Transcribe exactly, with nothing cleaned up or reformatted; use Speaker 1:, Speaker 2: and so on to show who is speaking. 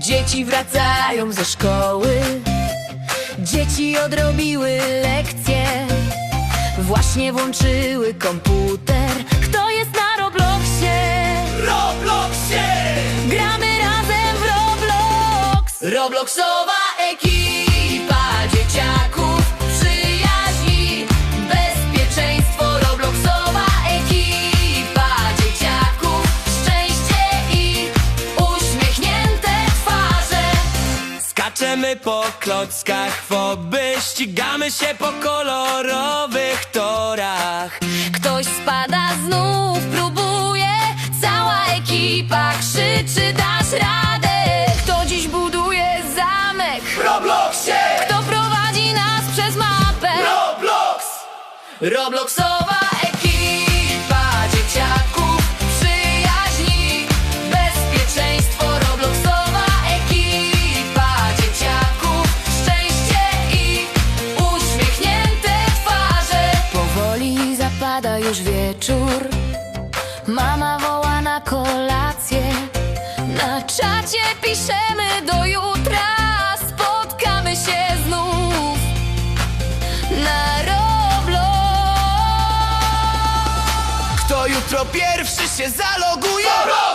Speaker 1: Dzieci wracają ze szkoły, dzieci odrobiły lekcje, właśnie włączyły komputer. Kto jest na Robloxie?
Speaker 2: Robloxie!
Speaker 1: Gramy razem w Roblox. Robloxowa ekipa dzieciaków, przyjaźni, bezpieczeństwo. Robloxowa ekipa dzieciaków, szczęście i uśmiechnięte twarze.
Speaker 2: Skaczemy po klockach foby, ścigamy się po kolorowych torach.
Speaker 1: Ktoś spada, znów próbuje, cała ekipa krzyczy: dasz radę! Kto dziś buduje zamek?
Speaker 2: W Robloxie!
Speaker 1: Kto prowadzi nas przez mapę?
Speaker 2: Roblox!
Speaker 1: Robloxowa ekipa dzieciaków, przyjaźni, bezpieczeństwo. Robloxowa ekipa dzieciaków, szczęście i uśmiechnięte twarze. Powoli zapada już wieczór, mama woła na kolację. Na czacie piszemy: do jutra, spotkamy się znów na Roblox.
Speaker 2: Kto jutro pierwszy się zaloguje? Roblox!